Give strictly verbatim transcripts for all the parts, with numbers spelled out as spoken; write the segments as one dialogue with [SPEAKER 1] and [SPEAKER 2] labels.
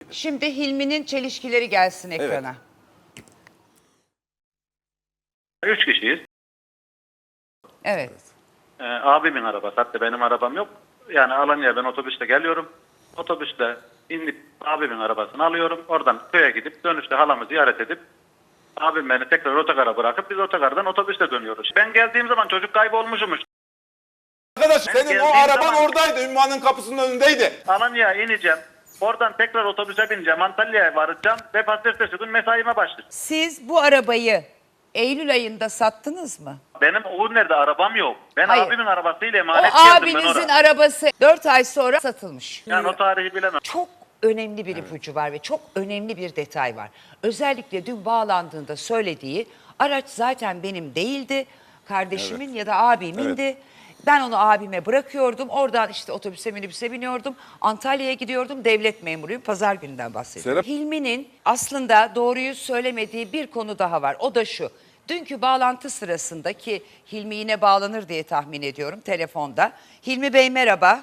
[SPEAKER 1] Şimdi Hilmi'nin çelişkileri gelsin ekrana.
[SPEAKER 2] Evet. Üç kişiyiz.
[SPEAKER 1] Evet.
[SPEAKER 2] Ee, abimin arabası, hatta benim arabam yok. Yani Alanya'ya ben otobüste geliyorum. Otobüste inip abimin arabasını alıyorum. Oradan köye gidip dönüşte halamı ziyaret edip abim beni tekrar otogara bırakıp biz otogardan otobüste dönüyoruz. Ben geldiğim zaman çocuk kaybolmuşmuş.
[SPEAKER 3] Arkadaş
[SPEAKER 2] Ben
[SPEAKER 3] senin o
[SPEAKER 2] geldiğim
[SPEAKER 3] araban
[SPEAKER 2] zaman-
[SPEAKER 3] oradaydı. Ümmühan'ın kapısının önündeydi.
[SPEAKER 2] Alanya'ya ineceğim. Oradan tekrar otobüse bineceğim. Antalya'ya varacağım ve pazartesi gün mesaime başlayacağım.
[SPEAKER 1] Siz bu arabayı Eylül ayında sattınız mı?
[SPEAKER 2] Benim o nerede arabam yok. Ben
[SPEAKER 1] Hayır.
[SPEAKER 2] abimin arabasıyla
[SPEAKER 1] O
[SPEAKER 2] emanet geldim ben
[SPEAKER 1] abinizin
[SPEAKER 2] oraya.
[SPEAKER 1] arabası dört ay sonra satılmış.
[SPEAKER 2] Yani o tarihi bilemem.
[SPEAKER 1] Çok önemli bir ipucu var ve çok önemli bir detay var. Özellikle dün bağlandığında söylediği araç zaten benim değildi. Kardeşimin ya da abimindi. Ben onu abime bırakıyordum. Oradan işte otobüse minibüse biniyordum. Antalya'ya gidiyordum. Devlet memuruyum. Pazar gününden bahsediyorum.
[SPEAKER 3] Serap-
[SPEAKER 1] Hilmi'nin aslında doğruyu söylemediği bir konu daha var. O da şu. Dünkü bağlantı sırasında ki Hilmi yine bağlanır diye tahmin ediyorum telefonda. Hilmi Bey merhaba.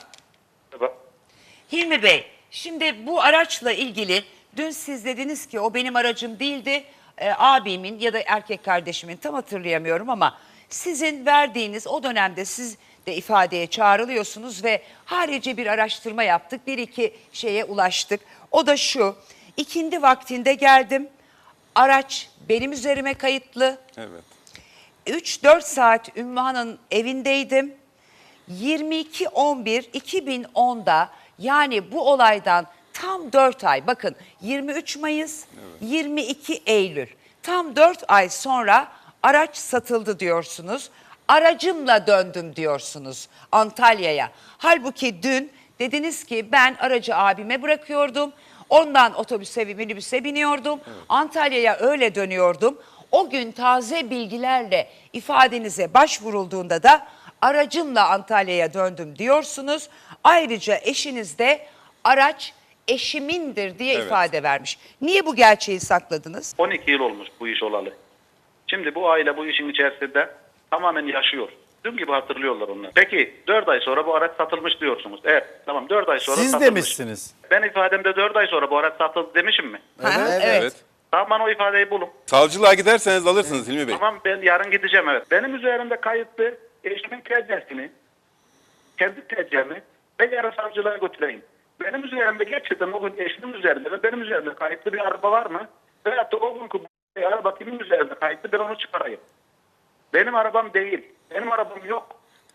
[SPEAKER 1] Hilmi Bey, şimdi bu araçla ilgili dün siz dediniz ki o benim aracım değildi, e, abimin ya da erkek kardeşimin tam hatırlayamıyorum ama sizin verdiğiniz o dönemde siz de ifadeye çağrılıyorsunuz ve harici bir araştırma yaptık, bir iki şeye ulaştık. O da şu, ikindi vaktinde geldim, araç benim üzerime kayıtlı,
[SPEAKER 3] Evet.
[SPEAKER 1] üç dört saat Ümmühan'ın evindeydim. yirmi iki on bir iki bin onda yani bu olaydan tam dört ay, bakın yirmi üç Mayıs, yirmi iki Eylül, tam dört ay sonra araç satıldı diyorsunuz. Aracımla döndüm diyorsunuz Antalya'ya. Halbuki dün dediniz ki ben aracı abime bırakıyordum. Ondan otobüse ve minibüse biniyordum. Antalya'ya öyle dönüyordum. O gün taze bilgilerle ifadenize başvurulduğunda da aracımla Antalya'ya döndüm diyorsunuz. Ayrıca eşiniz de araç eşimindir diye
[SPEAKER 3] Evet.
[SPEAKER 1] ifade vermiş. Niye bu gerçeği sakladınız?
[SPEAKER 2] on iki yıl olmuş bu iş olalı. Şimdi bu aile bu işin içerisinde tamamen yaşıyor. Dün gibi hatırlıyorlar onlar. Peki dört ay sonra bu araç satılmış diyorsunuz. Evet tamam dört ay sonra
[SPEAKER 4] Siz
[SPEAKER 2] satılmış.
[SPEAKER 4] demişsiniz.
[SPEAKER 2] Ben ifademde dört ay sonra bu araç satıldı demişim mi?
[SPEAKER 1] Ha, evet.
[SPEAKER 2] Tamam bana o ifadeyi bulun.
[SPEAKER 3] Savcılığa giderseniz alırsınız Hilmi Bey.
[SPEAKER 2] Tamam ben yarın gideceğim evet. Benim üzerimde kayıtlı eşimin tecrübesini, kendi tecrübemi ben yarın savcılığa götüreyim. Benim üzerimde gerçekten o gün eşimin üzerinde ve benim üzerimde kayıtlı bir araba var mı? Veyahut da o günkü bu araba kimin üzerinde kayıtlı ben onu çıkarayım. Benim arabam değil. Benim arabam yok.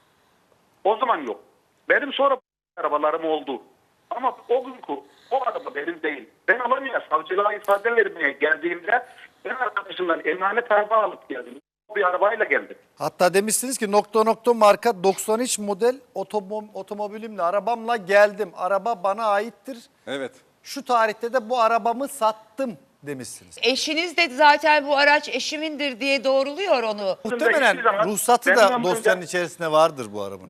[SPEAKER 2] O zaman yok. Benim sonra arabalarım oldu. Ama o günkü o araba benim değil. Ben Alanya'ya savcılığa ifade vermeye geldiğimde ben arkadaşımdan emanet araba alıp geldim. Bir arabayla geldim.
[SPEAKER 4] Hatta demişsiniz ki nokta nokta marka doksan üç model otomo otomobilimle arabamla geldim. Araba bana aittir.
[SPEAKER 3] Evet.
[SPEAKER 4] Şu tarihte de bu arabamı sattım demişsiniz.
[SPEAKER 1] Eşiniz de zaten bu araç eşimindir diye doğruluyor onu.
[SPEAKER 4] Muhtemelen
[SPEAKER 2] Hiçbir zaman
[SPEAKER 4] ruhsatı
[SPEAKER 2] benim
[SPEAKER 4] da
[SPEAKER 2] ömrümde-
[SPEAKER 4] dosyanın içerisinde vardır bu arabanın.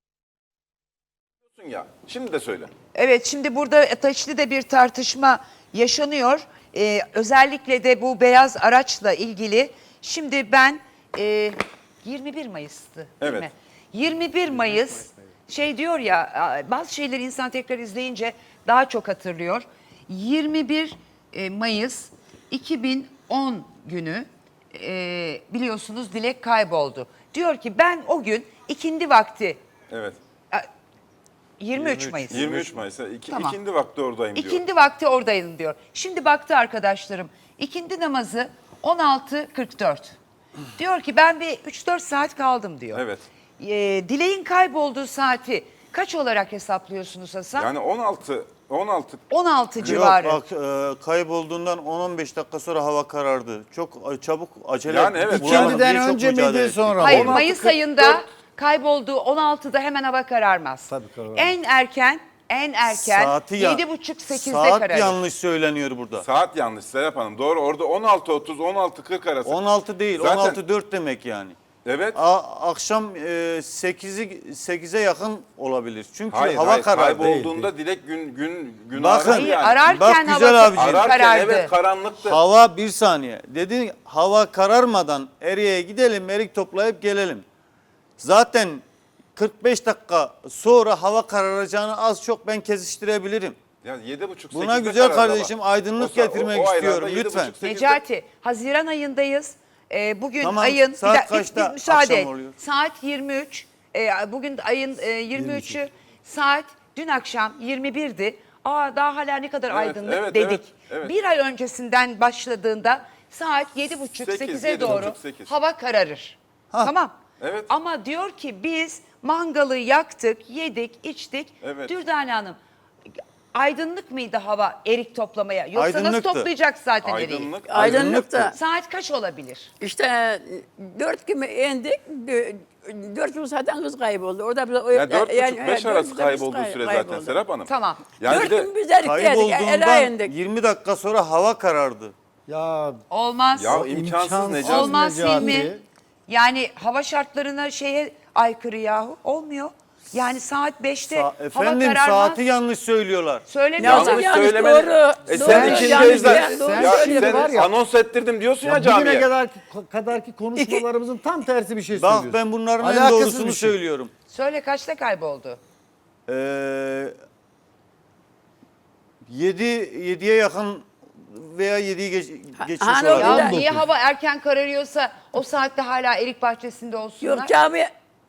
[SPEAKER 3] Ya şimdi de söyle.
[SPEAKER 1] Evet, şimdi burada ateşli de bir tartışma yaşanıyor. Ee, özellikle de bu beyaz araçla ilgili. Şimdi ben e, yirmi bir Mayıs'tı değil
[SPEAKER 3] Evet.
[SPEAKER 1] mi? yirmi bir Mayıs şey diyor ya, bazı şeyleri insan tekrar izleyince daha çok hatırlıyor. yirmi bir Mayıs iki bin on günü e, biliyorsunuz Dilek kayboldu. Diyor ki ben o gün ikindi vakti,
[SPEAKER 3] Evet.
[SPEAKER 1] yirmi üç Mayıs.
[SPEAKER 3] yirmi üç Mayıs'ta iki,
[SPEAKER 1] Tamam.
[SPEAKER 3] ikindi vakti oradayım diyor.
[SPEAKER 1] İkindi vakti oradayım diyor. Şimdi baktı arkadaşlarım. İkindi namazı on altı kırk dört. Diyor ki ben bir üç dört saat kaldım diyor.
[SPEAKER 3] Evet.
[SPEAKER 1] Ee, Dileğin kaybolduğu saati kaç olarak hesaplıyorsunuz Hasan?
[SPEAKER 3] Yani on altı on altı
[SPEAKER 1] on altı civarı.
[SPEAKER 5] Yok bak e, kaybolduğundan on on beş dakika sonra hava karardı. Çok e, çabuk acele.
[SPEAKER 3] Yani evet.
[SPEAKER 5] bulamadım
[SPEAKER 4] İkindiden
[SPEAKER 5] diye çok
[SPEAKER 4] önce
[SPEAKER 5] mücadele
[SPEAKER 4] miydi
[SPEAKER 5] ettik.
[SPEAKER 4] sonra mı?
[SPEAKER 1] Hayır,
[SPEAKER 3] on altı
[SPEAKER 1] Mayıs
[SPEAKER 3] kırk dört
[SPEAKER 1] ayında kaybolduğu on altıda hemen hava kararmaz.
[SPEAKER 4] Tabii kararmaz.
[SPEAKER 1] En erken en erken
[SPEAKER 5] Saati ya-
[SPEAKER 1] yedi buçuk sekizde
[SPEAKER 5] Saat
[SPEAKER 1] kararır.
[SPEAKER 5] yanlış söyleniyor burada.
[SPEAKER 3] saat yanlış Serap Hanım. Doğru orada on altı otuz on altı kırk arası.
[SPEAKER 5] on altı değil,
[SPEAKER 3] Zaten-
[SPEAKER 5] on altı dört demek yani.
[SPEAKER 3] Evet.
[SPEAKER 5] A, akşam e, sekizi sekize yakın olabilir. Çünkü
[SPEAKER 3] Hayır,
[SPEAKER 5] hava
[SPEAKER 3] hayır,
[SPEAKER 5] karardı.
[SPEAKER 3] kaybolduğunda Dilek gün gün gün
[SPEAKER 5] Bakın,
[SPEAKER 3] aradı
[SPEAKER 1] Hayır,
[SPEAKER 3] yani.
[SPEAKER 1] ararken
[SPEAKER 5] Bak
[SPEAKER 1] hava
[SPEAKER 5] güzel abicim.
[SPEAKER 3] Ararken
[SPEAKER 1] karardı.
[SPEAKER 3] evet karanlıktı.
[SPEAKER 5] Hava bir saniye. Dedi hava kararmadan Eriye'ye gidelim, erik toplayıp gelelim. Zaten kırk beş dakika sonra hava kararacağını az çok ben kesiştirebilirim.
[SPEAKER 3] Ya yedi buçuk
[SPEAKER 5] Buna
[SPEAKER 3] sekizde
[SPEAKER 5] güzel
[SPEAKER 3] karardı
[SPEAKER 5] kardeşim
[SPEAKER 3] ama.
[SPEAKER 5] aydınlık
[SPEAKER 3] O sa- o-
[SPEAKER 5] getirmek
[SPEAKER 3] o aylarda
[SPEAKER 5] istiyorum
[SPEAKER 3] yedi
[SPEAKER 5] lütfen.
[SPEAKER 3] buçuk, sekizde
[SPEAKER 1] Necati, Haziran ayındayız. Ee, bugün
[SPEAKER 5] Tamam,
[SPEAKER 1] ayın
[SPEAKER 5] saat
[SPEAKER 1] bir dakika,
[SPEAKER 5] kaçta
[SPEAKER 1] bir- bir müsaade.
[SPEAKER 5] akşam oluyor?
[SPEAKER 1] Saat yirmi üç. Ee, bugün ayın e, yirmi üçü. Saat dün akşam yirmi birdi. Aa daha hala ne kadar
[SPEAKER 3] Evet,
[SPEAKER 1] aydınlık
[SPEAKER 3] evet,
[SPEAKER 1] dedik.
[SPEAKER 3] evet, evet.
[SPEAKER 1] Bir ay öncesinden başladığında saat yedi buçuk
[SPEAKER 3] Sekiz,
[SPEAKER 1] sekize
[SPEAKER 3] yedi
[SPEAKER 1] doğru
[SPEAKER 3] buçuk, sekiz.
[SPEAKER 1] hava kararır.
[SPEAKER 5] Ha.
[SPEAKER 1] Tamam.
[SPEAKER 3] Evet.
[SPEAKER 1] Ama diyor ki biz mangalı yaktık, yedik, içtik.
[SPEAKER 3] Evet.
[SPEAKER 1] Dürdane Hanım aydınlık mıydı hava erik toplamaya? Yoksa nasıl
[SPEAKER 5] Aydınlıktı.
[SPEAKER 1] toplayacak zaten eriği?
[SPEAKER 3] Aydınlık.
[SPEAKER 6] Aydınlık da.
[SPEAKER 1] Saat kaç olabilir?
[SPEAKER 6] İşte dört gibi indik. dö- Dört yıl zaten kız kayboldu. Orada bir,
[SPEAKER 3] Ya dört buçuk
[SPEAKER 6] yani-
[SPEAKER 3] beş
[SPEAKER 6] dört
[SPEAKER 3] arası
[SPEAKER 6] kız
[SPEAKER 3] kaybolduğu
[SPEAKER 6] kay-
[SPEAKER 3] süre zaten
[SPEAKER 6] kayboldu.
[SPEAKER 3] Serap Hanım.
[SPEAKER 1] Tamam.
[SPEAKER 3] Yani
[SPEAKER 6] Dört
[SPEAKER 3] bir de
[SPEAKER 6] gün biz erik yedik. Ela
[SPEAKER 5] Kaybolduğundan
[SPEAKER 6] indik.
[SPEAKER 5] yirmi dakika sonra hava karardı.
[SPEAKER 4] Ya
[SPEAKER 1] Olmaz.
[SPEAKER 3] ya imkansız Necati.
[SPEAKER 1] Olmaz
[SPEAKER 4] Necati.
[SPEAKER 1] Hilmi. Yani hava şartlarına şeye aykırı yahu. Olmuyor. Yani saat beşte
[SPEAKER 5] Sa-
[SPEAKER 1] hava
[SPEAKER 5] efendim
[SPEAKER 1] kararmaz.
[SPEAKER 5] saati yanlış söylüyorlar.
[SPEAKER 1] Söylemiyorlar.
[SPEAKER 6] Yanlış
[SPEAKER 3] Yanlış
[SPEAKER 6] yanlış
[SPEAKER 3] söylemeni-
[SPEAKER 6] doğru.
[SPEAKER 3] E
[SPEAKER 6] doğru,
[SPEAKER 3] sen ikinci
[SPEAKER 6] yanlış,
[SPEAKER 3] ezden,
[SPEAKER 6] yani doğru
[SPEAKER 3] ya
[SPEAKER 6] söylüyor.
[SPEAKER 3] sen
[SPEAKER 4] var ya-
[SPEAKER 3] anons ettirdim diyorsun ya,
[SPEAKER 4] Ya bugüne
[SPEAKER 3] camiye.
[SPEAKER 4] kadar kadarki konuşmalarımızın tam tersi bir şey
[SPEAKER 5] Bak
[SPEAKER 4] söylüyorsun.
[SPEAKER 5] ben bunların en
[SPEAKER 4] Alakasız
[SPEAKER 5] doğrusunu
[SPEAKER 4] bir şey.
[SPEAKER 5] söylüyorum.
[SPEAKER 1] Söyle kaçta kayboldu?
[SPEAKER 5] Ee, yedi yediye yakın veya yediyi geç, geçmiş
[SPEAKER 6] hani o
[SPEAKER 5] olabilir.
[SPEAKER 1] Ya
[SPEAKER 6] Bir de-
[SPEAKER 1] niye hava erken kararıyorsa o saatte hala erik bahçesinde olsunlar?
[SPEAKER 6] Yok cami.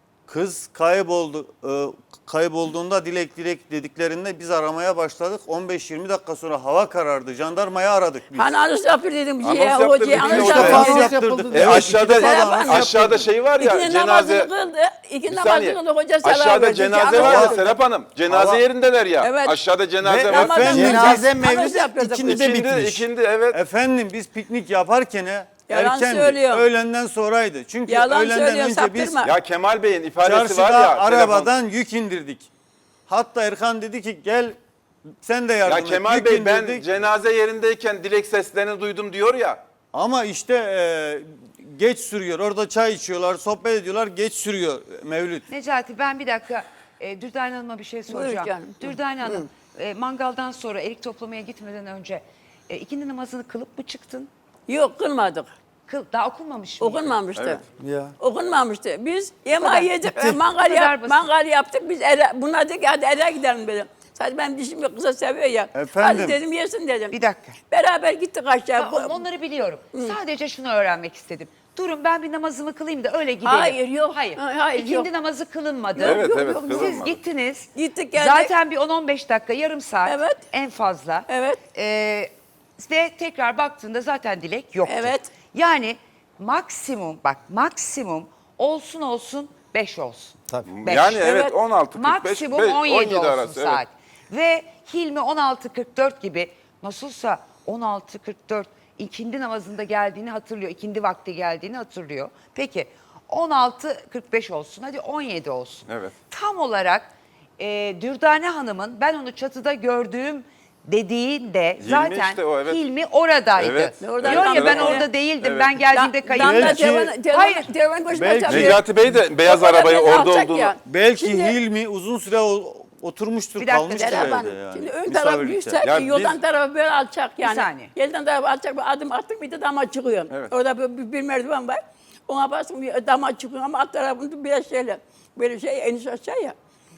[SPEAKER 5] Kız kayboldu. Ee, kaybolduğunda dilek dilek dediklerinde biz aramaya başladık. on beş yirmi dakika sonra hava karardı. Jandarmayı aradık biz.
[SPEAKER 6] Hani anons yapıyor dedim.
[SPEAKER 3] Anons
[SPEAKER 6] Şey,
[SPEAKER 3] yaptırdık,
[SPEAKER 6] hocaya
[SPEAKER 3] bir de
[SPEAKER 6] anons
[SPEAKER 3] o da-
[SPEAKER 6] yapıyor.
[SPEAKER 4] Anons
[SPEAKER 5] Anons
[SPEAKER 4] yapıldı.
[SPEAKER 5] yaptırdık.
[SPEAKER 3] E
[SPEAKER 5] Evet,
[SPEAKER 3] aşağıda
[SPEAKER 5] iki defa
[SPEAKER 6] Serap
[SPEAKER 5] anons
[SPEAKER 6] Hanım.
[SPEAKER 3] aşağıda şey var ya,
[SPEAKER 6] İki
[SPEAKER 3] cenaze.
[SPEAKER 6] namazını kıldı. İki
[SPEAKER 3] Bir
[SPEAKER 6] namazını
[SPEAKER 3] saniye.
[SPEAKER 6] kıldı. Hoca selam
[SPEAKER 3] Aşağıda
[SPEAKER 6] verdi.
[SPEAKER 3] cenaze
[SPEAKER 6] Anons
[SPEAKER 3] var ya
[SPEAKER 6] yaptı.
[SPEAKER 3] Serap Hanım. Cenaze
[SPEAKER 6] Hava-
[SPEAKER 3] yerindeler ya.
[SPEAKER 6] Evet.
[SPEAKER 3] Aşağıda cenaze
[SPEAKER 5] Ve
[SPEAKER 3] var.
[SPEAKER 6] Ramazan
[SPEAKER 5] Efendim,
[SPEAKER 6] günü
[SPEAKER 4] cenaze
[SPEAKER 6] anons
[SPEAKER 4] mevlidi
[SPEAKER 6] yaptırdık.
[SPEAKER 4] ikindi de
[SPEAKER 3] İkindi,
[SPEAKER 4] bitmiş.
[SPEAKER 3] ikindi, evet.
[SPEAKER 5] Efendim biz piknik yaparken
[SPEAKER 6] Yalan
[SPEAKER 5] erkendi.
[SPEAKER 6] söylüyor.
[SPEAKER 5] Öğlenden sonraydı. Çünkü
[SPEAKER 6] Yalan
[SPEAKER 5] öğlenden
[SPEAKER 6] söylüyor,
[SPEAKER 5] önce biz
[SPEAKER 6] saptırma.
[SPEAKER 3] Ya Kemal Bey'in ifadesi
[SPEAKER 5] çarşıda
[SPEAKER 3] var ya.
[SPEAKER 5] arabadan yük indirdik. Hatta Erkan dedi ki gel sen de yardım
[SPEAKER 3] Ya
[SPEAKER 5] et.
[SPEAKER 3] Kemal
[SPEAKER 5] Yük
[SPEAKER 3] Bey ben
[SPEAKER 5] indirdik.
[SPEAKER 3] cenaze yerindeyken dilek seslerini duydum diyor ya.
[SPEAKER 5] Ama işte e, geç sürüyor. Orada çay içiyorlar, sohbet ediyorlar. Geç sürüyor Mevlüt.
[SPEAKER 1] Necati ben bir dakika e, Dürdane Hanım'a bir şey soracağım.
[SPEAKER 6] canım.
[SPEAKER 1] Dürdane Hanım e, mangaldan sonra erik toplamaya gitmeden önce e, ikindi namazını kılıp mı çıktın?
[SPEAKER 6] Yok kılmadık.
[SPEAKER 1] Kıl, daha okunmamış mıydı?
[SPEAKER 6] Okunmamıştı.
[SPEAKER 3] Evet.
[SPEAKER 4] Ya.
[SPEAKER 6] Okunmamıştı. Biz yemeği
[SPEAKER 1] kadar.
[SPEAKER 6] yedik,
[SPEAKER 1] Bitti.
[SPEAKER 6] mangal,
[SPEAKER 1] Bu kadar
[SPEAKER 6] yap,
[SPEAKER 1] basit.
[SPEAKER 6] mangal yaptık. Biz eve, buna dedik hadi eve gidelim dedim. Sadece benim dişim yok, kıza seviyor ya.
[SPEAKER 5] Efendim?
[SPEAKER 6] Hadi dedim yesin dedim.
[SPEAKER 1] Bir dakika.
[SPEAKER 6] Beraber gittik aşağı.
[SPEAKER 1] Tamam, onları biliyorum. Sadece şunu öğrenmek istedim. Durun ben bir namazımı kılayım da öyle gidelim.
[SPEAKER 6] Hayır, yok.
[SPEAKER 1] Hayır.
[SPEAKER 6] Ha, hayır,
[SPEAKER 1] İkindi
[SPEAKER 6] yok.
[SPEAKER 1] namazı kılınmadı.
[SPEAKER 3] Evet,
[SPEAKER 6] yok,
[SPEAKER 3] evet.
[SPEAKER 6] yok.
[SPEAKER 1] Siz
[SPEAKER 3] kılınmadı.
[SPEAKER 1] gittiniz.
[SPEAKER 6] Gittik, geldik.
[SPEAKER 1] Zaten bir on on beş dakika, yarım saat
[SPEAKER 6] Evet.
[SPEAKER 1] en fazla.
[SPEAKER 6] Evet.
[SPEAKER 1] Ee, ve tekrar baktığında zaten dilek yoktu.
[SPEAKER 6] Evet.
[SPEAKER 1] Yani maksimum bak maksimum olsun olsun beş olsun.
[SPEAKER 4] Tabii.
[SPEAKER 1] Beş.
[SPEAKER 3] Yani evet,
[SPEAKER 6] Evet.
[SPEAKER 3] on altı kırk beş,
[SPEAKER 1] Maksimum
[SPEAKER 3] beş-
[SPEAKER 1] on yedi olsun
[SPEAKER 3] arası. Evet.
[SPEAKER 1] saat. Ve Hilmi on altı kırk dört gibi nasılsa on altı kırk dört ikindi namazında geldiğini hatırlıyor. İkindi vakti geldiğini hatırlıyor. Peki on altı kırk beş olsun, hadi on yedi olsun.
[SPEAKER 3] Evet.
[SPEAKER 1] Tam olarak e, Dürdane Hanım'ın ben onu çatıda gördüğüm dediğinde
[SPEAKER 3] Hilmi
[SPEAKER 1] zaten
[SPEAKER 3] işte o, evet.
[SPEAKER 1] Hilmi oradaydı.
[SPEAKER 3] Evet.
[SPEAKER 6] Orada
[SPEAKER 1] Diyor ya
[SPEAKER 3] evet,
[SPEAKER 1] ben
[SPEAKER 3] evet.
[SPEAKER 1] orada değildim,
[SPEAKER 3] Evet.
[SPEAKER 1] ben geldiğimde
[SPEAKER 6] Da-
[SPEAKER 1] kayıp.
[SPEAKER 6] damda
[SPEAKER 5] Belki-
[SPEAKER 6] telefon- telefon-
[SPEAKER 1] Hayır.
[SPEAKER 6] telefon başına
[SPEAKER 5] Belki-
[SPEAKER 6] çalıyor.
[SPEAKER 3] Necati Bey de beyaz
[SPEAKER 6] O kadar
[SPEAKER 3] arabayı
[SPEAKER 6] beni
[SPEAKER 3] orada
[SPEAKER 6] alacak
[SPEAKER 3] olduğunu.
[SPEAKER 6] ya.
[SPEAKER 5] Belki
[SPEAKER 6] Şimdi-
[SPEAKER 5] Hilmi uzun süre o- oturmuştur,
[SPEAKER 1] Bir dakika,
[SPEAKER 5] kalmıştır
[SPEAKER 1] Serap
[SPEAKER 5] evde
[SPEAKER 6] Hanım,
[SPEAKER 5] yani.
[SPEAKER 6] şimdi ön
[SPEAKER 5] Misafirlikte.
[SPEAKER 6] taraf yüksek,
[SPEAKER 3] Ya
[SPEAKER 6] yoldan
[SPEAKER 3] biz-
[SPEAKER 6] tarafı böyle alçak yani.
[SPEAKER 1] saniye.
[SPEAKER 6] Yelden tarafı alçak bir adım attık bir de dama çıkıyor.
[SPEAKER 3] Evet.
[SPEAKER 6] Orada bir, bir, bir merdiven var. Ona basın bir dama çıkıyor ama alt tarafında biraz şeyle, böyle şey eniş aşağı ya.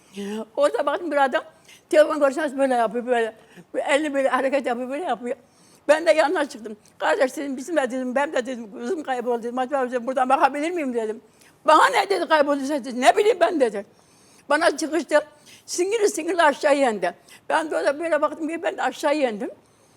[SPEAKER 6] Orada bakın bir adam telefon konuşması böyle yapıyor böyle. böyle. Elini böyle hareket yapıyor böyle yapıyor. Ben de yanına çıktım. Kardeş dedim bizim de dedim ben de dedim kızım kayboldu dedim. Acaba dedim, buradan bakabilir miyim dedim. Bana ne dedi kaybolduysa dedi. Ne bileyim ben dedi. Bana çıkıştı. Singiri singiri aşağı yendi. Ben de orada böyle baktım ki ben de aşağı yendim.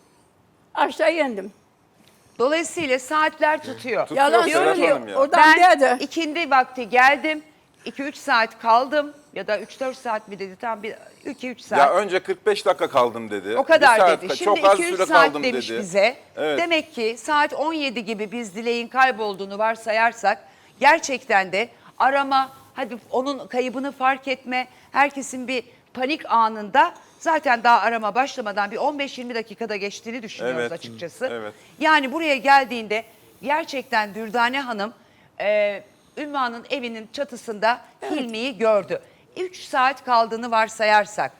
[SPEAKER 6] Aşağı yendim.
[SPEAKER 1] Dolayısıyla saatler tutuyor.
[SPEAKER 3] Tutuyor
[SPEAKER 6] Yalan
[SPEAKER 3] Serap
[SPEAKER 6] söylüyor.
[SPEAKER 3] Hanım ya.
[SPEAKER 6] Oradan
[SPEAKER 1] Ben
[SPEAKER 6] dedi.
[SPEAKER 1] ikindi vakti geldim. iki üç saat kaldım ya da üç dört saat mi dedi tam bir iki üç saat.
[SPEAKER 3] Ya önce kırk beş dakika kaldım dedi.
[SPEAKER 1] O kadar
[SPEAKER 3] Bir saat-
[SPEAKER 1] dedi. Şimdi
[SPEAKER 3] çok az
[SPEAKER 1] iki üç
[SPEAKER 3] süre
[SPEAKER 1] saat
[SPEAKER 3] kaldım
[SPEAKER 1] demiş
[SPEAKER 3] dedi.
[SPEAKER 1] bize.
[SPEAKER 3] Evet.
[SPEAKER 1] Demek ki saat on yedi gibi biz dileğin kaybolduğunu varsayarsak gerçekten de arama, hadi onun kaybını fark etme, herkesin bir panik anında zaten daha arama başlamadan bir on beş yirmi dakikada geçtiğini düşünüyoruz
[SPEAKER 3] Evet.
[SPEAKER 1] açıkçası.
[SPEAKER 3] Evet.
[SPEAKER 1] Yani buraya geldiğinde gerçekten Dürdane Hanım e, Ümmühan'ın evinin çatısında Hilmi'yi gördü. üç saat kaldığını varsayarsak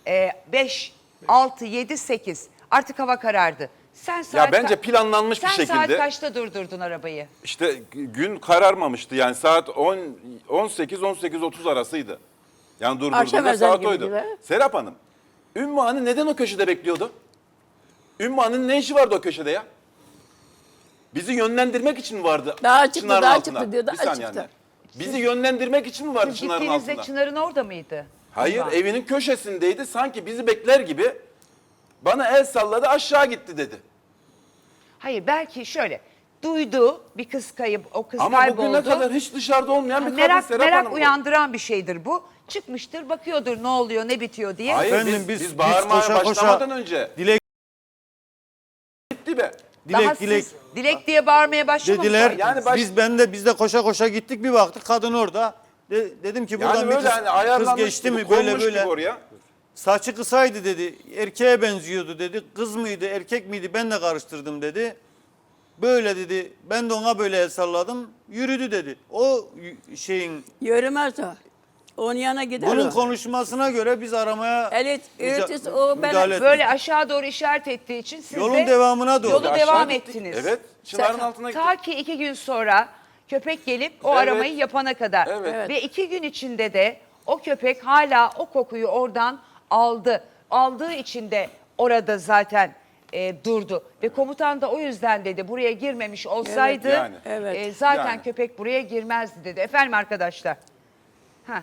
[SPEAKER 1] beş, altı, yedi, sekiz artık hava karardı. Sen saat
[SPEAKER 3] Ya bence
[SPEAKER 1] ka-
[SPEAKER 3] planlanmış bir
[SPEAKER 1] Sen saat
[SPEAKER 3] şekilde.
[SPEAKER 1] kaçta durdurdun arabayı?
[SPEAKER 3] İşte gün kararmamıştı yani saat on on sekiz on sekiz otuz arasıydı. Yani
[SPEAKER 6] Akşam
[SPEAKER 3] durdurduğumda
[SPEAKER 6] ezanı
[SPEAKER 3] saat
[SPEAKER 6] gibi
[SPEAKER 3] oydu.
[SPEAKER 6] gibi.
[SPEAKER 3] Serap Hanım, Ümmü Hanım neden o köşede bekliyordu? Ümmü Hanım'ın ne işi vardı o köşede ya? Bizi yönlendirmek için mi vardı
[SPEAKER 6] Daha çıktı,
[SPEAKER 3] Çınar'ın
[SPEAKER 6] daha
[SPEAKER 3] altında?
[SPEAKER 6] çıktı diyor, daha
[SPEAKER 3] Bir saniye
[SPEAKER 6] çıktı.
[SPEAKER 3] anne. Bizi yönlendirmek için mi vardı
[SPEAKER 1] Siz
[SPEAKER 3] Çınar'ın
[SPEAKER 1] gittiğinizde
[SPEAKER 3] altında?
[SPEAKER 1] Çınar'ın orada mıydı?
[SPEAKER 3] Hayır,
[SPEAKER 1] Ümran.
[SPEAKER 3] evinin köşesindeydi. Sanki bizi bekler gibi bana el salladı, aşağı gitti dedi.
[SPEAKER 1] Hayır, belki şöyle duydu bir kız kayıp, o kız
[SPEAKER 3] Ama
[SPEAKER 1] kayboldu.
[SPEAKER 3] bugüne kadar hiç dışarıda olmayan bir kadın
[SPEAKER 1] merak
[SPEAKER 3] Serap
[SPEAKER 1] merak
[SPEAKER 3] Hanım bu.
[SPEAKER 1] uyandıran bir şeydir bu. Çıkmıştır, bakıyordur ne oluyor, ne bitiyor diye.
[SPEAKER 3] Hayır,
[SPEAKER 5] Efendim,
[SPEAKER 3] biz,
[SPEAKER 5] biz-
[SPEAKER 3] biz
[SPEAKER 5] biz
[SPEAKER 3] bağırmaya
[SPEAKER 5] koşa koşa-
[SPEAKER 3] başlamadan önce
[SPEAKER 5] Dilek
[SPEAKER 3] gitti be.
[SPEAKER 1] Daha
[SPEAKER 5] dilek
[SPEAKER 1] siz
[SPEAKER 5] dilek
[SPEAKER 1] dilek diye bağırmaya başlamamışlar.
[SPEAKER 5] dediler.
[SPEAKER 3] Yani baş-
[SPEAKER 5] Biz ben de biz de koşa koşa gittik, bir baktık kadın orada. De- dedim ki buradan
[SPEAKER 3] Yani
[SPEAKER 5] bir
[SPEAKER 3] böyle
[SPEAKER 5] kız,
[SPEAKER 3] hani
[SPEAKER 5] kız
[SPEAKER 3] ayarlanmış
[SPEAKER 5] geçti
[SPEAKER 3] gibi,
[SPEAKER 5] mi böyle
[SPEAKER 3] konmuş
[SPEAKER 5] böyle.
[SPEAKER 3] gibi oraya.
[SPEAKER 5] Saçı kısaydı dedi. Erkeğe benziyordu dedi. Kız mıydı, erkek miydi ben de karıştırdım dedi. Böyle dedi. Ben de ona böyle el salladım. Yürüdü dedi. O y- şeyin
[SPEAKER 6] Yürümez o. Onun yanına gider
[SPEAKER 5] bunun
[SPEAKER 6] o.
[SPEAKER 5] konuşmasına göre biz aramaya
[SPEAKER 6] Evet,
[SPEAKER 5] müca-
[SPEAKER 6] öğretisi o, ben-
[SPEAKER 5] müdahale ettik.
[SPEAKER 1] Böyle aşağı doğru işaret ettiği için siz
[SPEAKER 5] Yolun
[SPEAKER 1] de
[SPEAKER 5] devamına doğru.
[SPEAKER 1] yolu
[SPEAKER 3] Aşağı
[SPEAKER 1] devam
[SPEAKER 3] gittik.
[SPEAKER 1] ettiniz.
[SPEAKER 3] Evet. Çınarın
[SPEAKER 1] Sen-
[SPEAKER 3] altına gittik.
[SPEAKER 1] Ta ki iki gün sonra köpek gelip o
[SPEAKER 3] Evet.
[SPEAKER 1] aramayı yapana kadar.
[SPEAKER 3] Evet.
[SPEAKER 6] Evet.
[SPEAKER 1] Ve iki gün içinde de o köpek hala o kokuyu oradan aldı. Aldığı için de orada zaten e, durdu. Ve komutan da o yüzden dedi buraya girmemiş olsaydı
[SPEAKER 3] Evet, yani.
[SPEAKER 6] Evet.
[SPEAKER 1] e, zaten
[SPEAKER 3] Yani.
[SPEAKER 1] köpek buraya girmezdi dedi. Efendim arkadaşlar. Ha.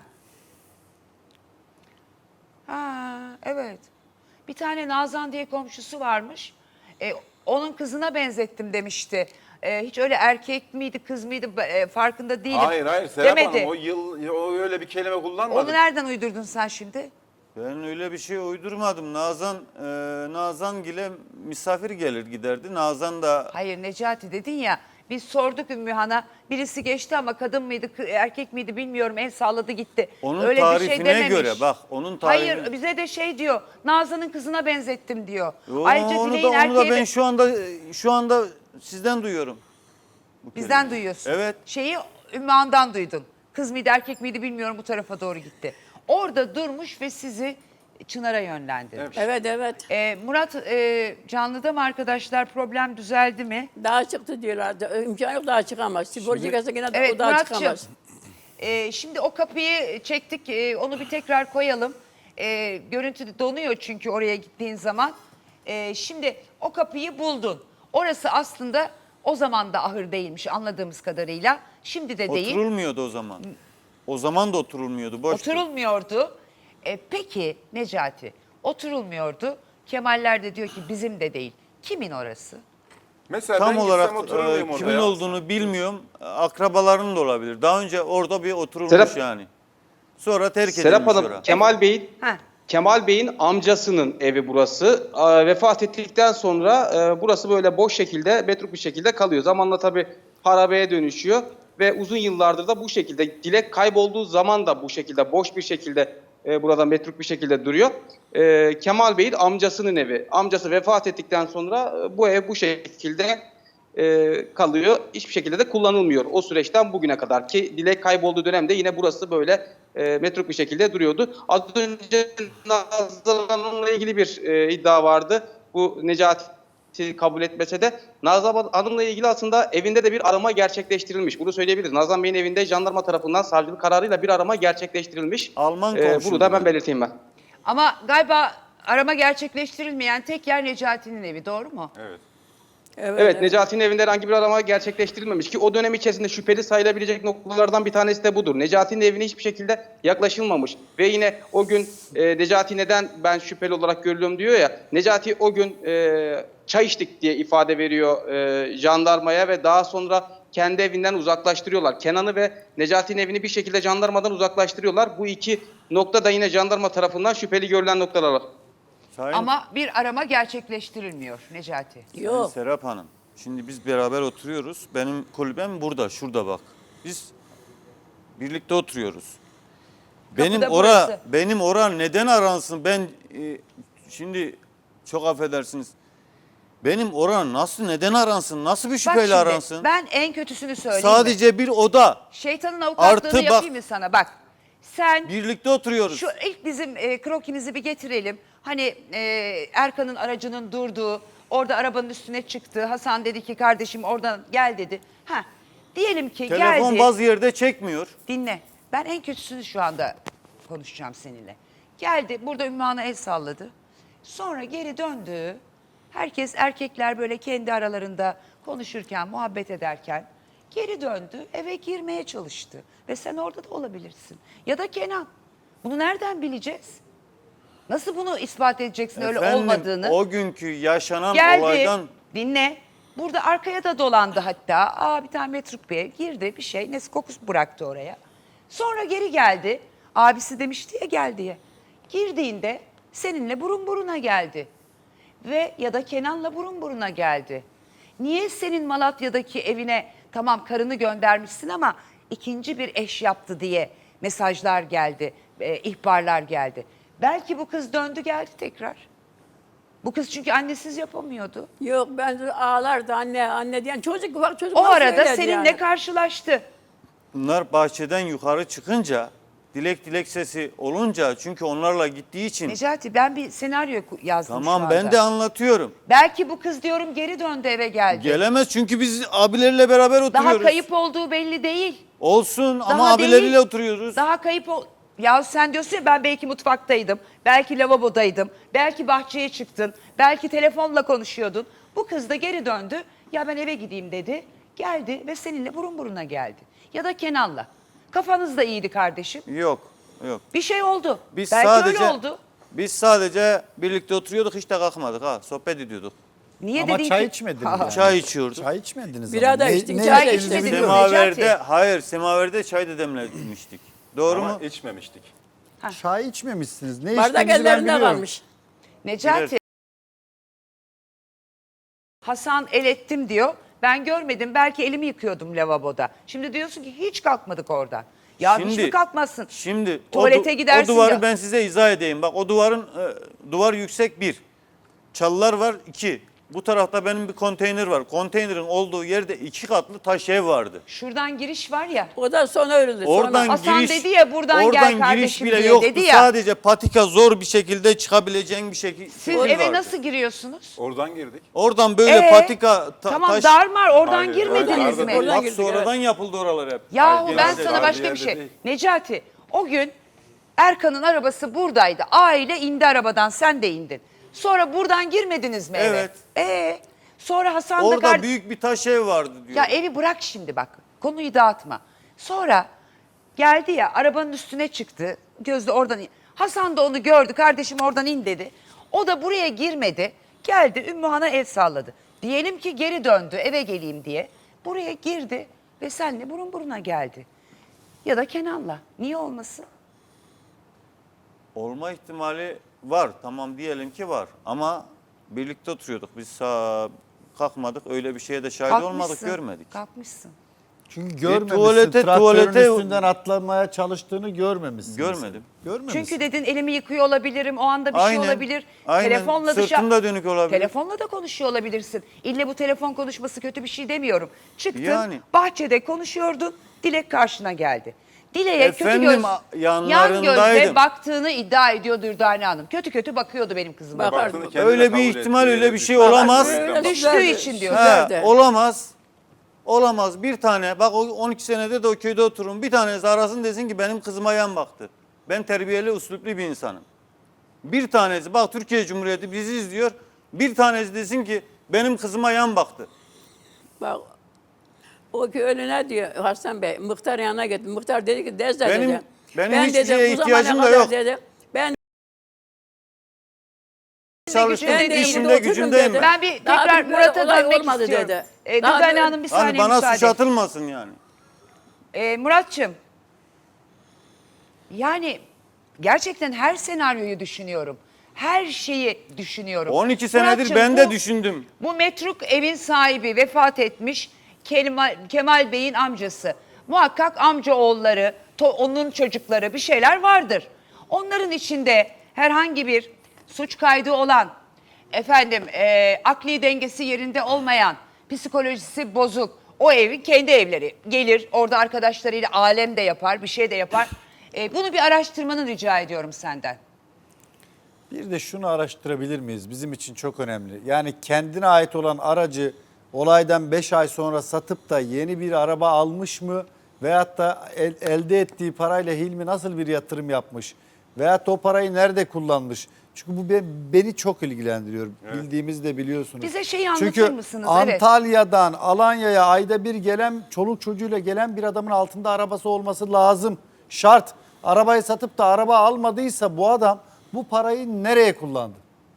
[SPEAKER 1] Ha, evet. Bir tane Nazan diye komşusu varmış. E, onun kızına benzettim demişti. E, hiç öyle erkek miydi kız mıydı e, farkında değilim.
[SPEAKER 3] Hayır hayır Serap
[SPEAKER 1] demedi.
[SPEAKER 3] Hanım o yıl o öyle bir kelime kullanmadı.
[SPEAKER 1] Onu nereden uydurdun sen şimdi?
[SPEAKER 5] Ben öyle bir şey uydurmadım. Nazan e, Nazan gile misafir gelir giderdi. Nazan da
[SPEAKER 1] Hayır Necati dedin ya. Biz sorduk Ümmühan'a. Birisi geçti ama kadın mıydı, kı- erkek miydi bilmiyorum. El salladı gitti.
[SPEAKER 5] onun
[SPEAKER 1] Öyle bir şey
[SPEAKER 5] tarifine
[SPEAKER 1] dememiş.
[SPEAKER 5] göre bak onun tarifine.
[SPEAKER 1] Hayır bize de şey diyor. Nazan'ın kızına benzettim diyor.
[SPEAKER 5] Yo,
[SPEAKER 1] Ayrıca
[SPEAKER 5] onu da,
[SPEAKER 1] Dilek'in
[SPEAKER 5] onu da
[SPEAKER 1] erkeğe
[SPEAKER 5] ben
[SPEAKER 1] de-
[SPEAKER 5] şu anda sizden anda sizden duyuyorum. bu
[SPEAKER 1] bizden
[SPEAKER 5] kelimeyi.
[SPEAKER 1] duyuyorsun.
[SPEAKER 5] Evet.
[SPEAKER 1] Şeyi Ümmühan'dan duydun. Kız mıydı erkek miydi bilmiyorum bu tarafa doğru gitti. Orada durmuş ve sizi Çınar'a yönlendirmiş.
[SPEAKER 6] Evet, evet.
[SPEAKER 1] Ee, Murat e, canlıda mı arkadaşlar, problem düzeldi mi?
[SPEAKER 6] Daha çıktı diyorlardı. İmkan yok, daha çıkamaz. Spor çıkarsa yine de
[SPEAKER 1] Evet
[SPEAKER 6] o daha
[SPEAKER 1] Murat'cığım,
[SPEAKER 6] çıkamaz.
[SPEAKER 1] e, şimdi o kapıyı çektik, e, onu bir tekrar koyalım. E, görüntü donuyor çünkü oraya gittiğin zaman. E, şimdi o kapıyı buldun. Orası aslında o zaman da ahır değilmiş anladığımız kadarıyla. Şimdi de değil.
[SPEAKER 5] Oturulmuyordu o zaman. O zaman da oturulmuyordu. Boştu.
[SPEAKER 1] Oturulmuyordu. E, peki Necati, oturulmuyordu. Kemaller de diyor ki bizim de değil. Kimin orası?
[SPEAKER 3] Mesela
[SPEAKER 5] Tam
[SPEAKER 3] ben
[SPEAKER 5] olarak
[SPEAKER 3] gitsem oturur
[SPEAKER 5] e,
[SPEAKER 3] muyum orada
[SPEAKER 5] kimin
[SPEAKER 3] ya?
[SPEAKER 5] olduğunu bilmiyorum. Akrabaların da olabilir. Daha önce orada bir oturulmuş
[SPEAKER 7] Serap-
[SPEAKER 5] yani. Sonra terk
[SPEAKER 7] Serap
[SPEAKER 5] edilmiş
[SPEAKER 7] Hanım,
[SPEAKER 5] orası.
[SPEAKER 7] Kemal Bey'in
[SPEAKER 1] Ha.
[SPEAKER 7] Kemal Bey'in amcasının evi burası. Aa, vefat ettikten sonra e, burası böyle boş şekilde, metruk bir şekilde kalıyor. Zamanla tabii harabeye dönüşüyor ve uzun yıllardır da bu şekilde. Dilek kaybolduğu zaman da bu şekilde, boş bir şekilde e, burada metruk bir şekilde duruyor. E, Kemal Bey'in amcasının evi. Amcası vefat ettikten sonra e, bu ev bu şekilde e, kalıyor. Hiçbir şekilde de kullanılmıyor o süreçten bugüne kadar ki Dilek kaybolduğu dönemde yine burası böyle e, metruk bir şekilde duruyordu. Az önce Nazlı Hanım'la ilgili bir e, iddia vardı. Bu Necati kabul etmese de Nazlı Hanım'la ilgili aslında evinde de bir arama gerçekleştirilmiş. Bunu söyleyebiliriz. Nazan Bey'in evinde jandarma tarafından savcılık kararıyla bir arama gerçekleştirilmiş.
[SPEAKER 5] Alman
[SPEAKER 7] E,
[SPEAKER 5] komşu
[SPEAKER 7] bunu da ben
[SPEAKER 5] bunlar.
[SPEAKER 7] belirteyim ben.
[SPEAKER 1] Ama galiba arama gerçekleştirilmeyen tek yer Necati'nin evi, doğru mu?
[SPEAKER 3] Evet.
[SPEAKER 6] Evet,
[SPEAKER 7] Evet, Necati'nin evinde herhangi bir arama gerçekleştirilmemiş ki o dönem içerisinde şüpheli sayılabilecek noktalardan bir tanesi de budur. Necati'nin evine hiçbir şekilde yaklaşılmamış ve yine o gün e, Necati neden ben şüpheli olarak görülüyorum diyor ya, Necati o gün e, çay içtik diye ifade veriyor e, jandarmaya ve daha sonra kendi evinden uzaklaştırıyorlar. Kenan'ı ve Necati'nin evini bir şekilde jandarmadan uzaklaştırıyorlar. Bu iki nokta da yine jandarma tarafından şüpheli görülen noktalar.
[SPEAKER 5] Sayın,
[SPEAKER 1] Ama bir arama gerçekleştirilmiyor Necati.
[SPEAKER 5] Sayın
[SPEAKER 6] Yok.
[SPEAKER 5] Serap Hanım. Şimdi biz beraber oturuyoruz. Benim kulübem burada, şurada bak. Biz birlikte oturuyoruz. Benim
[SPEAKER 1] Kapıda
[SPEAKER 5] ora
[SPEAKER 1] burası.
[SPEAKER 5] benim ora neden aransın? Ben e, şimdi çok affedersiniz. Benim ora nasıl neden aransın? Nasıl bir
[SPEAKER 1] Bak
[SPEAKER 5] şüpheyle
[SPEAKER 1] şimdi,
[SPEAKER 5] aransın?
[SPEAKER 1] ben en kötüsünü söyleyeyim mi?
[SPEAKER 5] Sadece bir oda.
[SPEAKER 1] Şeytanın avukatlığını
[SPEAKER 5] Artı bak-
[SPEAKER 1] yapayım mı sana? Bak sen
[SPEAKER 5] Birlikte oturuyoruz.
[SPEAKER 1] şu ilk bizim e, krokimizi bir getirelim. Hani e, Erkan'ın aracının durduğu, orada arabanın üstüne çıktı. Hasan dedi ki kardeşim oradan gel dedi. Ha, diyelim ki
[SPEAKER 5] Telefon
[SPEAKER 1] geldi.
[SPEAKER 5] bazı yerde çekmiyor.
[SPEAKER 1] Dinle. Ben en kötüsünü şu anda konuşacağım seninle. Geldi burada Ümmühan'a el salladı. Sonra geri döndü. Herkes erkekler böyle kendi aralarında konuşurken, muhabbet ederken geri döndü, eve girmeye çalıştı. Ve sen orada da olabilirsin. Ya da Kenan. Bunu nereden bileceğiz? Nasıl bunu ispat edeceksin öyle
[SPEAKER 5] Efendim,
[SPEAKER 1] olmadığını?
[SPEAKER 5] o günkü yaşanan
[SPEAKER 1] Geldi,
[SPEAKER 5] olaydan
[SPEAKER 1] dinle. Burada arkaya da dolandı hatta. Aa bir tane metruk bir ev girdi bir şey. Neyse kokusu bıraktı oraya. Sonra geri geldi. Abisi demişti ya gel diye. Girdiğinde seninle burun buruna geldi. Ve ya da Kenan'la burun buruna geldi. Niye senin Malatya'daki evine tamam karını göndermişsin ama ikinci bir eş yaptı diye mesajlar geldi, e, ihbarlar geldi. Belki bu kız döndü geldi tekrar. Bu kız çünkü annesiz yapamıyordu.
[SPEAKER 6] Yok ben de ağlardı anne anne diyen çocuk ufak çocuk.
[SPEAKER 1] O
[SPEAKER 6] nasıl
[SPEAKER 1] arada
[SPEAKER 6] söyledi
[SPEAKER 1] seninle
[SPEAKER 6] yani?
[SPEAKER 1] karşılaştı.
[SPEAKER 5] bunlar bahçeden yukarı çıkınca dilek dilek sesi olunca çünkü onlarla gittiği için
[SPEAKER 1] Necati ben bir senaryo ku- yazdım şu
[SPEAKER 5] tamam
[SPEAKER 1] anda.
[SPEAKER 5] ben de anlatıyorum.
[SPEAKER 1] Belki bu kız diyorum geri döndü eve geldi.
[SPEAKER 5] Gelemez çünkü biz abilerle beraber oturuyoruz.
[SPEAKER 1] Daha kayıp olduğu belli değil.
[SPEAKER 5] Olsun ama
[SPEAKER 1] Daha
[SPEAKER 5] abileriyle
[SPEAKER 1] değil.
[SPEAKER 5] oturuyoruz.
[SPEAKER 1] Daha kayıp ol... Ya sen diyorsun ya ben belki mutfaktaydım, belki lavabodaydım, belki bahçeye çıktın, belki telefonla konuşuyordun. Bu kız da geri döndü. Ya ben eve gideyim dedi. Geldi ve seninle burun buruna geldi. Ya da Kenan'la. Kafanız da iyiydi kardeşim.
[SPEAKER 5] Yok yok.
[SPEAKER 1] Bir şey oldu.
[SPEAKER 5] Biz
[SPEAKER 1] belki
[SPEAKER 5] sadece
[SPEAKER 1] öyle oldu.
[SPEAKER 5] Biz sadece birlikte oturuyorduk hiç de kalkmadık ha sohbet ediyorduk.
[SPEAKER 1] Niye
[SPEAKER 4] Ama
[SPEAKER 1] dedin
[SPEAKER 4] çay
[SPEAKER 1] ki?
[SPEAKER 4] içmediniz
[SPEAKER 1] Ha,
[SPEAKER 4] yani.
[SPEAKER 5] Çay içiyorduk.
[SPEAKER 4] Çay içmediniz
[SPEAKER 6] Bira
[SPEAKER 4] ama.
[SPEAKER 6] da
[SPEAKER 4] Ne-
[SPEAKER 6] içtik,
[SPEAKER 4] ne
[SPEAKER 6] çay
[SPEAKER 4] içtiğinizi
[SPEAKER 1] içmedik.
[SPEAKER 4] biliyorum.
[SPEAKER 5] Semaverde
[SPEAKER 1] Necati.
[SPEAKER 5] hayır semaverde çay da demlemiştik. Doğru
[SPEAKER 3] Ama
[SPEAKER 5] mu?
[SPEAKER 3] içmemiştik.
[SPEAKER 4] Çay içmemişsiniz. Ne
[SPEAKER 6] Bardak
[SPEAKER 4] içtiğinizi ben
[SPEAKER 6] ellerinde
[SPEAKER 4] biliyorum.
[SPEAKER 6] varmış.
[SPEAKER 1] Necati. Hasan el ettim diyor. Ben görmedim. Belki elimi yıkıyordum lavaboda. Şimdi diyorsun ki hiç kalkmadık oradan. Ya hiç mi kalkmazsın?
[SPEAKER 5] Şimdi
[SPEAKER 1] Tuvalete
[SPEAKER 5] o, du-
[SPEAKER 1] gidersin
[SPEAKER 5] o duvarı
[SPEAKER 1] ya.
[SPEAKER 5] ben size izah edeyim. Bak o duvarın e, duvar yüksek bir. Çalılar var iki. Bu tarafta benim bir konteyner var. Konteynerin olduğu yerde iki katlı taş ev vardı.
[SPEAKER 1] Şuradan giriş var ya.
[SPEAKER 6] O da sonra örüldü.
[SPEAKER 5] Oradan
[SPEAKER 6] sonra.
[SPEAKER 1] Hasan
[SPEAKER 5] giriş,
[SPEAKER 1] dedi ya, buradan gel
[SPEAKER 5] oradan giriş
[SPEAKER 1] kardeşim
[SPEAKER 5] bile
[SPEAKER 1] diye
[SPEAKER 5] yoktu.
[SPEAKER 1] dedi ya.
[SPEAKER 5] Sadece patika zor bir şekilde çıkabileceğin bir şekilde.
[SPEAKER 1] Siz
[SPEAKER 5] yol
[SPEAKER 1] eve
[SPEAKER 5] vardı.
[SPEAKER 1] nasıl giriyorsunuz?
[SPEAKER 3] Oradan girdik.
[SPEAKER 5] Oradan böyle
[SPEAKER 1] Ee,
[SPEAKER 5] patika ta-
[SPEAKER 1] tamam
[SPEAKER 5] taş.
[SPEAKER 1] darmar oradan
[SPEAKER 3] Hayır,
[SPEAKER 1] girmediniz
[SPEAKER 3] oradan-
[SPEAKER 1] mi?
[SPEAKER 6] oradan
[SPEAKER 5] Bak
[SPEAKER 6] girdik,
[SPEAKER 5] sonradan yapıldı oralar hep.
[SPEAKER 1] Yahu
[SPEAKER 3] Hayır,
[SPEAKER 1] ben
[SPEAKER 3] yerde-
[SPEAKER 1] sana
[SPEAKER 3] yerde-
[SPEAKER 1] başka bir
[SPEAKER 3] yerde
[SPEAKER 1] şey.
[SPEAKER 3] değil.
[SPEAKER 1] Necati o gün Erkan'ın arabası buradaydı. Aile indi arabadan, sen de indin. Sonra buradan girmediniz mi eve?
[SPEAKER 5] Evet.
[SPEAKER 1] Ee, sonra Hasan da
[SPEAKER 5] Orada
[SPEAKER 1] kar-
[SPEAKER 5] büyük bir taş ev vardı diyor.
[SPEAKER 1] Ya evi bırak şimdi bak. Konuyu dağıtma. Sonra geldi ya arabanın üstüne çıktı. Gözde oradan in. Hasan da onu gördü. Kardeşim oradan in dedi. O da buraya girmedi. Geldi Ümmühan'a el salladı. Diyelim ki geri döndü eve geleyim diye. Buraya girdi ve senle burun buruna geldi. Ya da Kenan'la. Niye olmasın?
[SPEAKER 5] Olma ihtimali var. Tamam diyelim ki var. Ama birlikte oturuyorduk. Biz sağ kalkmadık. Öyle bir şeye de şahit olmadık,
[SPEAKER 1] Kalkmışsın,
[SPEAKER 5] görmedik.
[SPEAKER 1] Kalkmışsın.
[SPEAKER 4] Çünkü görmemişsin.
[SPEAKER 5] tuvalete-
[SPEAKER 4] Traktörün
[SPEAKER 5] tuvalete-
[SPEAKER 4] üstünden atlamaya çalıştığını görmemişsin.
[SPEAKER 5] Görmedim.
[SPEAKER 4] Görmemişsin.
[SPEAKER 1] Çünkü dedin elimi yıkıyor olabilirim. O anda bir
[SPEAKER 5] Aynen,
[SPEAKER 1] şey olabilir.
[SPEAKER 5] aynen.
[SPEAKER 1] Telefonla
[SPEAKER 5] Sırtım da dönük olabilir.
[SPEAKER 1] Telefonla da konuşuyor olabilirsin. İlle bu telefon konuşması kötü bir şey demiyorum. Çıktın
[SPEAKER 5] Yani.
[SPEAKER 1] bahçede konuşuyordun. Dilek karşına geldi. Dileğe kötü
[SPEAKER 5] Efendim,
[SPEAKER 1] göz,
[SPEAKER 5] a-
[SPEAKER 1] yan
[SPEAKER 5] yanlarındaydım.
[SPEAKER 1] gözle baktığını iddia ediyor Dürdane Hanım. Kötü kötü bakıyordu benim kızıma.
[SPEAKER 6] Bak-
[SPEAKER 3] Baktığını kendine
[SPEAKER 5] Öyle bir
[SPEAKER 3] kabul
[SPEAKER 5] ihtimal,
[SPEAKER 3] etti,
[SPEAKER 5] öyle bir
[SPEAKER 3] düştü.
[SPEAKER 5] şey olamaz.
[SPEAKER 6] Öyle
[SPEAKER 1] Düştüğü
[SPEAKER 6] güzeldi,
[SPEAKER 1] için diyor.
[SPEAKER 5] He,
[SPEAKER 6] güzeldi.
[SPEAKER 5] olamaz. Olamaz. Bir tane bak o on iki senedir de o köyde otururum. Bir tanesi arasın desin ki benim kızıma yan baktı. Ben terbiyeli, usluplu bir insanım. Bir tanesi bak Türkiye Cumhuriyeti bizi izliyor. Bir tanesi desin ki benim kızıma yan baktı.
[SPEAKER 6] Bak o köylü ne diyor Hasan Bey? Muhtar yanına gitti. Muhtar dedi ki Dezde
[SPEAKER 5] Benim-
[SPEAKER 6] dedi.
[SPEAKER 5] benim
[SPEAKER 6] ben
[SPEAKER 5] hiçbir
[SPEAKER 6] dedi,
[SPEAKER 5] şeye
[SPEAKER 6] bu zamana
[SPEAKER 5] ihtiyacım da
[SPEAKER 6] kadar
[SPEAKER 5] yok.
[SPEAKER 6] Dedi, ben
[SPEAKER 5] Çalıştım,
[SPEAKER 1] Ben
[SPEAKER 6] ben
[SPEAKER 1] de
[SPEAKER 5] işimde
[SPEAKER 6] burada otururum
[SPEAKER 5] gücümdeyim
[SPEAKER 6] dedi.
[SPEAKER 5] ben.
[SPEAKER 1] Ben bir
[SPEAKER 6] Daha
[SPEAKER 1] tekrar
[SPEAKER 6] bir böyle
[SPEAKER 1] Murat'a
[SPEAKER 6] olay
[SPEAKER 1] dönmek
[SPEAKER 6] olmadı
[SPEAKER 1] istiyorum.
[SPEAKER 6] dedi.
[SPEAKER 1] Ee,
[SPEAKER 6] Daha
[SPEAKER 1] Dürdane
[SPEAKER 6] böyle-
[SPEAKER 1] Hanım bir saniye
[SPEAKER 5] Hani bana
[SPEAKER 1] müsaade.
[SPEAKER 5] suç atılmasın yani.
[SPEAKER 1] Ee, Muratçım, yani gerçekten her senaryoyu düşünüyorum. Her şeyi düşünüyorum.
[SPEAKER 5] on iki senedir
[SPEAKER 1] Muratçım,
[SPEAKER 5] ben de
[SPEAKER 1] bu-
[SPEAKER 5] düşündüm.
[SPEAKER 1] Bu metruk evin sahibi vefat etmiş Kemal, Kemal Bey'in amcası. Muhakkak amca oğulları, to- onun çocukları bir şeyler vardır. Onların içinde herhangi bir suç kaydı olan, efendim e, akli dengesi yerinde olmayan, psikolojisi bozuk, o evin kendi evleri gelir orada arkadaşlarıyla alem de yapar, bir şey de yapar. E, bunu bir araştırmanı rica ediyorum senden.
[SPEAKER 4] Bir de şunu araştırabilir miyiz? Bizim için çok önemli. Yani kendine ait olan aracı olaydan beş ay sonra satıp da yeni bir araba almış mı? Veyahut da el- elde ettiği parayla Hilmi nasıl bir yatırım yapmış? Veyahut da o parayı nerede kullanmış? Çünkü bu be- beni çok ilgilendiriyor. Bildiğimizi de biliyorsunuz.
[SPEAKER 1] Bize şeyi anlatır
[SPEAKER 4] Çünkü
[SPEAKER 1] mısınız? Evet.
[SPEAKER 4] Antalya'dan Alanya'ya ayda bir gelen, çoluk çocuğuyla gelen bir adamın altında arabası olması lazım. Şart. Arabayı satıp da araba almadıysa bu adam bu parayı nereye kullandı?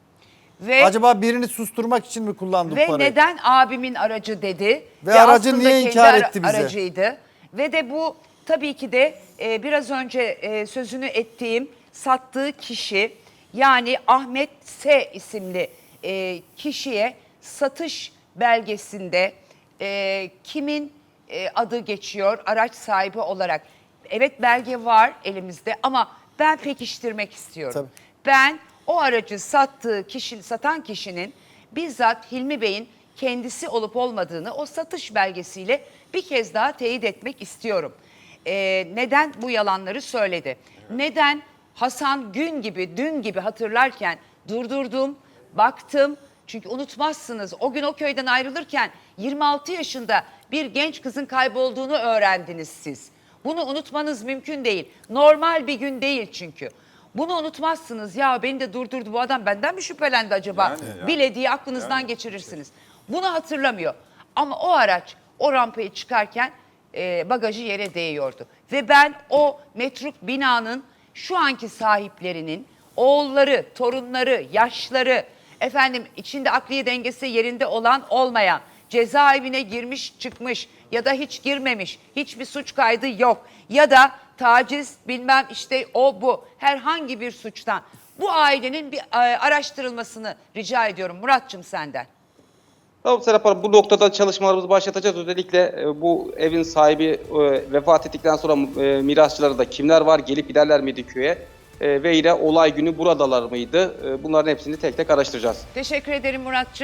[SPEAKER 1] Ve
[SPEAKER 4] Acaba birini susturmak için mi kullandı bu
[SPEAKER 1] Ve
[SPEAKER 4] parayı?
[SPEAKER 1] neden abimin aracı dedi?
[SPEAKER 4] Ve aracı
[SPEAKER 1] aslında
[SPEAKER 4] niye
[SPEAKER 1] kendi
[SPEAKER 4] inkar
[SPEAKER 1] ara-
[SPEAKER 4] etti bize?
[SPEAKER 1] Aracıydı. Ve de bu tabii ki de e, biraz önce e, sözünü ettiğim sattığı kişi, yani Ahmet S isimli e, kişiye satış belgesinde e, kimin e, adı geçiyor araç sahibi olarak? Evet, belge var elimizde ama ben pekiştirmek istiyorum.
[SPEAKER 4] Tabii.
[SPEAKER 1] Ben o aracı sattığı kişi, satan kişinin bizzat Hilmi Bey'in kendisi olup olmadığını o satış belgesiyle bir kez daha teyit etmek istiyorum. Ee, neden bu yalanları söyledi? Neden Hasan Gün gibi, dün gibi hatırlarken durdurdum, baktım. Çünkü unutmazsınız, o gün o köyden ayrılırken yirmi altı yaşında bir genç kızın kaybolduğunu öğrendiniz siz. Bunu unutmanız mümkün değil. Normal bir gün değil çünkü. Bunu unutmazsınız. Ya beni de durdurdu bu adam, benden mi şüphelendi acaba?
[SPEAKER 3] Yani, yani.
[SPEAKER 1] Bile diye aklınızdan geçirirsiniz. Bunu hatırlamıyor. Ama o araç o rampayı çıkarken e, bagajı yere değiyordu. Ve ben o metruk binanın şu anki sahiplerinin oğulları, torunları, yaşları, efendim içinde akliye dengesi yerinde olan olmayan, cezaevine girmiş çıkmış ya da hiç girmemiş, hiçbir suç kaydı yok ya da taciz bilmem işte o bu herhangi bir suçtan bu ailenin bir e, araştırılmasını rica ediyorum Muratçım senden.
[SPEAKER 7] Tamam Serap Hanım, bu noktada çalışmalarımızı başlatacağız. Özellikle e, bu evin sahibi e, vefat ettikten sonra e, mirasçıları da kimler var, gelip giderler miydi köye e, ve yine olay günü buradalar mıydı? E, bunların hepsini tek tek araştıracağız.
[SPEAKER 1] Teşekkür ederim Muratçım.